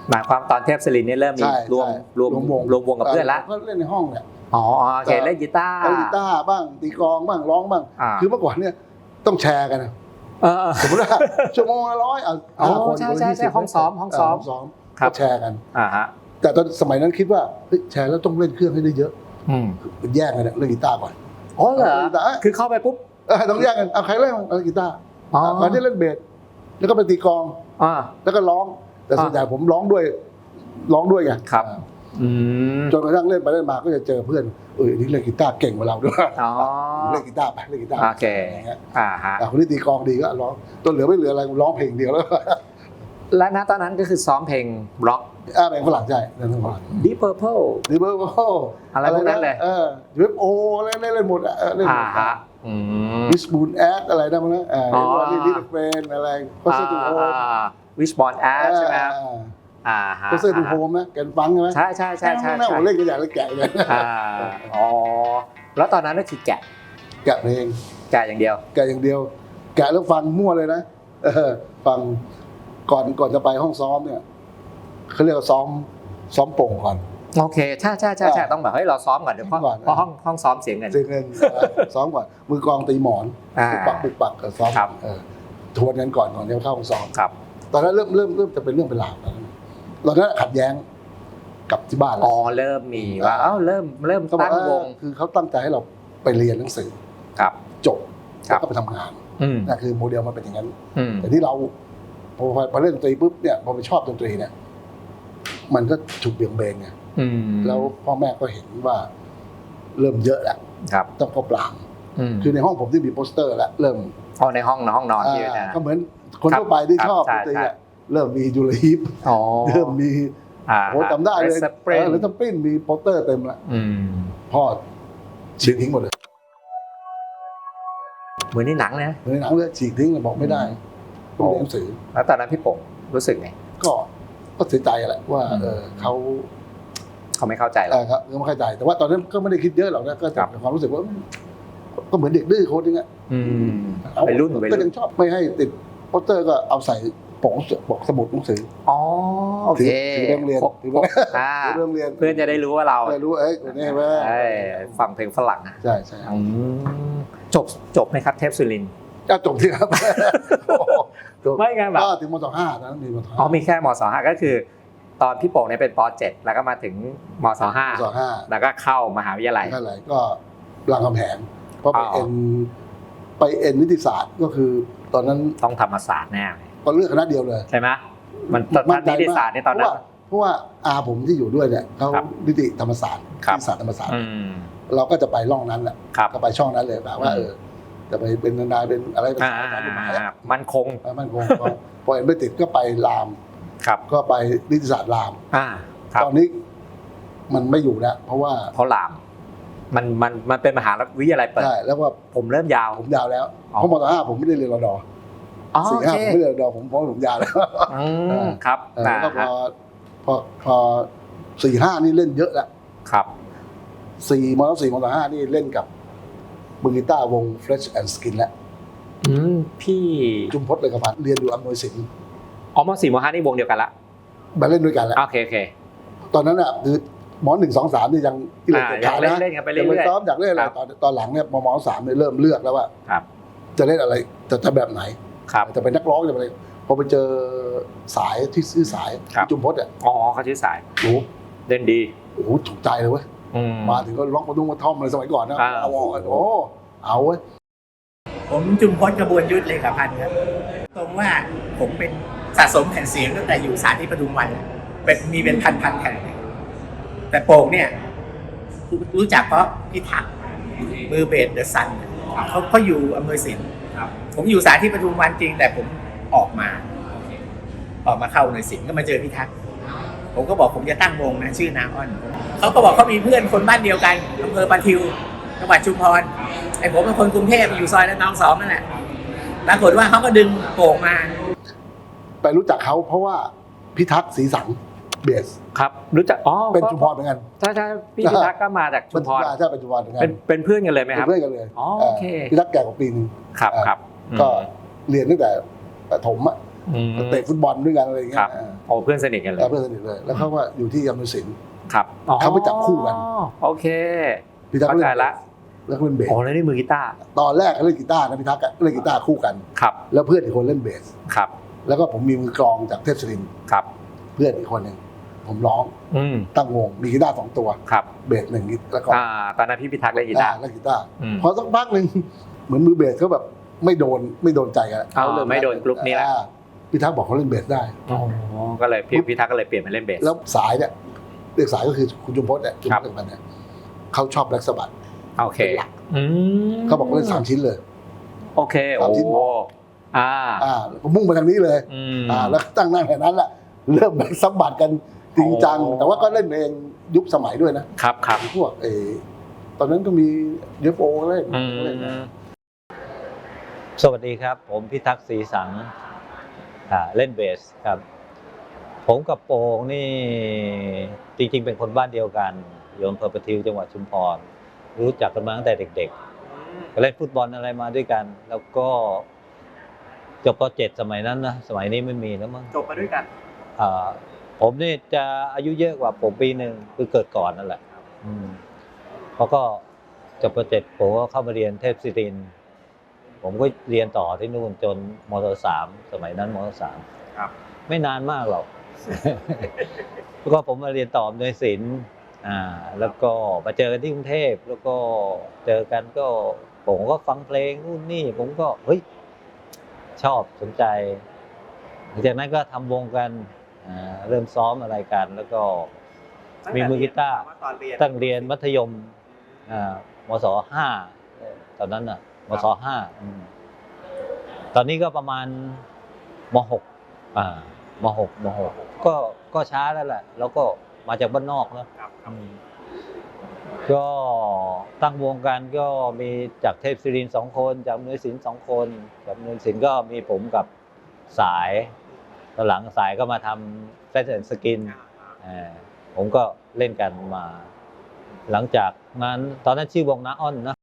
หมายความตอนเทพศิรินทร์นี่เริ่มมีรวมวงกับเพื่อนละก็เล่นในห้องเนี่ยอ๋อโอเคเล่นกีตาร์บ้างตีกลองบ้างร้องบ้างคือเมื่อก่อนเนี่ยต้องแชร์กันนะสมมติว่าชั่วโมงละ100 คนใช่ห้องซ้อมก็แชร์กันฮะแต่ตอนสมัยนั้นคิดว่าแชร์แล้วต้องเล่นเครื่องให้ได้เยอะแยกกันเล่นกีตาร์ก่อนอ๋อเหรอคือเข้าไปปุ๊บต้องแยกกันเอาใครเล่นกีตาร์ก่อนที่เล่นเบสแล้วก็ไปตีกลองแล้วก็ร้องแต่ส่วนใหญ่ผมร้องด้วยไงครับจนกระทั่งเล่นไปเล่นมาก็จะเจอเพื่อนนี่เล่นกีตาร์เก่งกว่าเราด้วยเล่นกีตาร์ไปเล่นกีตาร์โอเคคนที่ตีกลองดีก็ร้องตัวเหลือไม่เหลืออะไรร้องเพลงเดียวแล้วและณตอนนั้นก็คือซ้อมเพลงร็อกเพลงฝรั่งใช่เพลงฝรั่ง Deep Purple อะไรพวกนั้นเลย UFO เล่นหมดเล่นวิชบูนแอดอะไรนั่นมั้งดิสเฟนอะไรก็เซอร์ทูโฮมวิชบอลแอดใช่ไหมก็เซอร์ทูโฮมนะแกนฟังใช่ไหมใช่เล่นกันอย่างเล่นแกะเลยแล้วตอนนั้นก็คือแกะเพลงแกะอย่างเดียวแกะแล้วฟังมั่วเลยนะฟังก่อนจะไปห้องซ้อมเนี่ยเขาเรียกว่าซ้อมโป่งก่อนโอเคใช่ต้องแบบเราซ้อมก่อนเดี๋ยวเพราะห้องซ้อมเสียเงินซ้อมก่อนมือกลองตีหมอนปุกปักซ้อมทวนกันก่อนจะเข้าห้องซ้อมตอนนั้นเริ่มจะเป็นเรื่องเป็นราวตอนนั้นขัดแย้งกับที่บ้านเริ่มมีว่าเริ่มตั้งวงคือเขาตั้งใจให้เราไปเรียนหนังสือจบแล้วก็ไปทำงานนั่นคือโมเดลมันเป็นอย่างนั้นแต่ที่เราพอเล่นดนตรีปุ๊บเนี่ยพอไปชอบดนตรีเนี่ยมันก็ถูกเบี่ยงเบนไงแล้วพ่อแม่ก็เห็นว่าเริ่มเยอะแล้วต้องก็ปรามคือในห้องผมที่มีโปสเตอร์แล้วเริ่มในห้องนอนที่นะก็เหมือนคนทั่วไปที่ชอบดนตรีเริ่มมียูริฮิปเริ่มมีโหจำได้เลยหรือทัมปิ้นมีโปสเตอร์เต็มแล้วพ่อฉีกทิ้งหมดเลยเหมือนในหนังเลยเหมือนในหนังเลยฉีกทิ้งเลยบอกไม่ได้ต้องเรียนหนังสือแล้วตอนนั้นพี่ป๋งรู้สึกไงก็เสียใจแหละว่าเขาไม่เข้าใจหรอกครับไม่เข้าใจแต่ว่าตอนนั้นก็ไม่ได้คิดเยอะหรอกนะก็จับความรู้สึกว่าก็เหมือนเด็กดื้อโค้ดนึงอ่ะไปรุ่นก็ยังชอบไม่ให้ติดโปสเตอร์ก็เอาใส่ปกสมุดหนังสือโอเคถือเรื่องเรียนเพื่อนจะได้รู้ว่าเรารู้นี่ไหมฟังเพลงฝรั่งใช่จบไหมครับเทพศิรินทร์จบที่ครับไม่ไงแบบถึงม.5ตอนนั้นมีม .5มีแค่ม.5ก็คือตอนพี่โป่งเนี่ยเป็นป.7แล้วก็มาถึงม.5แล้วก็เข้ามหาวิทยาลัยก็รามคำแหงเพราะไปเอ็นนิติศาสตร์ก็คือตอนนั้นต้องธรรมศาสตร์แน่ก็เลือกคณะเดียวเลยใช่ไหมมันนิติศาสตร์ในตอนนั้นเพราะว่าอาผมที่อยู่ด้วยเนี่ยเขานิติธรรมศาสตร์นิติศาสตร์ธรรมศาสตร์เราก็จะไปร่องนั้นแหละก็ไปช่องนั้นเลยแบบว่าจะไปเป็นนายเป็นอะไรเป็นมั่นคงพอเอ็นไม่ติดก็ไปรามก็ไปนิติศาสตร์รามตอนนี้มันไม่อยู่แล้วเพราะรามมันเป็นมหาวิทยาลัยเปิดใช่แล้วว่าผมเริ่มยาวแล้วเพราะม.5ผมไม่ได้เรียนรด.4-5ผมไม่ได้เรียนรด.ผมเพราะผมยาวแล้วครับแล้วก็พอ4-5นี่เล่นเยอะแล้วครับ 4ม.5นี่เล่นกับมือกีตาร์วง Fresh and Skin แล้วพี่จุมพจน์เลยกับพันเรียนอยู่อำนวยสินม.4 ม.5นี่วงเดียวกันละมาเล่นด้วยกันแล้วโอเคตอนนั้นอ่ะคือม.1 2 3นี่ยังเล่นกันไปเรื่อยๆซ้อมอยากเล่นอะไรตอนหลังเนี่ยม.3เนี่ยเริ่มเลือกแล้วว่าจะเล่นอะไรจะแบบไหนจะเป็นนักร้องจะเป็นอะไรพอไปเจอสายที่ซื้อสายจุมพจน์อ่ะเขาชื่อสายโอ้เล่นดีถูกใจเลยเว้ยมาถึงก็ร้องกระดุมกระท่อมเลยสมัยก่อนนะเอาเว้ยผมจุมพจน์กระบวนยุทธเลยกับพันครับตรงว่าผมเป็นสะสมแผ่นเสียงตั้งแต่อยู่สถานที่ปทุมวันมีเป็นพันแผ่นแต่โป่งเนี่ยรู้จักเพราะพี่ทักมือเบสเดอะซันเขาอยู่อำนวยสินผมอยู่สถานที่ปทุมวันจริงแต่ผมออกมาเข้าอำนวยสินก็มาเจอพี่ทักผมก็บอกผมจะตั้งวงนะชื่อนาออนเขาก็บอกเขามีเพื่อนคนบ้านเดียวกันอำเภอปะทิวจังหวัดชุมพรไอ้ผมเป็นคนกรุงเทพอยู่ซอยละนอง2นั่นแหละปรากฏว่าเขาก็ดึงโป่งมาไปรู้จักเขาเพราะว่าพิทักษ์ศรีสังเบสครับรู้จักเป็นชุมพรเหมือนกันใช่พี่พิทักษ์ก็มาจากชุมพรใช่เป็นชุมพรเหมือนกันเป็นเพื่อนกันเลยไหมครับเป็นเพื่อนกันเลยโอเคพิทักษ์แก่กว่าปีนึงครับก็เรียนตั้งแต่ประถมอ่ะเตะฟุตบอลด้วยกันอะไรอย่างเงี้ครัยบโอ้เพื่อนสนิทกันเลยเพื่อนสนิทเลยแล้วเขาว่าอยู่ที่อำนวยสินครับเขาไปจับคู่กันโอเคพี่ทักษ์เข้าใจละแล้วก็เล่นเบสโอ้แล้วนี่มือกีตาร์ตอนแรกเขาเล่นกีตาร์นะพี่ทักษ์เล่นกีตาร์คู่กันครับแล้วเพื่อนอีกคนเล่นเบสครับแล้วก็ผมมีมือกลองจากเทพศิรินทร์ครับเพื่อนอีกคนหนึ่งผมร้อง ตั้งวงมีกีตาร์2 ตัวครับเบส1แล้วก็ตอนนั้นพี่พิทักษ์เล่นกีตาร์เล่นกีตาร์อืมพอสักพักหนึ่งเหมือนมือเบสเขาแบบไม่โดนใจกันไม่โดนกรุ๊ปนี้แหละพี่ทักษ์บอกเขาเล่นเบสได้อ๋อก็เลยพี่พิทักษ์ก็เลยเปลี่ยนมาเล่นเบสแล้วสายเนี่ยเรียกสายก็คือคุณจุมพจน์เนี่ยจุมพจน์กันเนี่ยเขาชอบแบล็กสะบัดโอเคเขาบอกเล่น3 ชิ้นเลยโอเคโอ้ 3 ชิ้น ผมมุ่งไปทางนี้เลยแล้วตั้งหน้าแค่นั้นแหละเริ่มแบล็กสะบัดกันจริงจังแต่ว่าก็เล่นเองยุคสมัยด้วยนะครับพวกตอนนั้นก็มีเยฟโอเล่นสวัสดีครับผมพิทักษ์ศรีสังเล่นเบสครับผมกับโป่งนี่จริงๆเป็นคนบ้านเดียวกันอยู่อำเภอประทิวจังหวัดชุมพรรู้จักกันมาตั้งแต่เด็กๆก็เล่นฟุตบอลอะไรมาด้วยกันแล้วก็จบป .7 สมัยนั้นนะสมัยนี้ไม่มีแล้วมั้งจบมาด้วยกันผมนี่จะอายุเยอะกว่าผมปีหนึ่งคือเกิดก่อนนั่นแหละเขาก็จบป .7 ผมก็เข้ามาเรียนเทพศิรินทร์ผมก็เรียนต่อที่นู่นจนม.3 สมัยนั้นม.3 ครับไม่นานมากหรอก แล้วก็ผมมาเรียนต่อในศิลป์แล้วก็มาเจอกันที่กรุงเทพแล้วก็เจอกันก็ผมก็ฟังเพลงนู่นนี่ผมก็เฮ้ยชอบสนใจหลังจากนั้นก็ทำวงกันเริ่มซ้อมอะไรกันแล้วก็มีมือกีตาร์ตั้งเรียนมัธยมมศ.5 ตอนนั้นน่ะมศ.5 ตอนนี้ก็ประมาณม.6 ก็ช้าแล้วแหละแล้วก็มาจากบ้านนอกนะก็ตั้งวงกันก็มีจากเทพศิรินทร์2 คนจากอำนวยสิน2 คนจากอำนวยสินก็มีผมกับสายตอนหลังสายก็มาทำแฟชั่นสกินผมก็เล่นกันมาหลังจากนั้นตอนนั้นชื่อวงน้าอ้อนนะ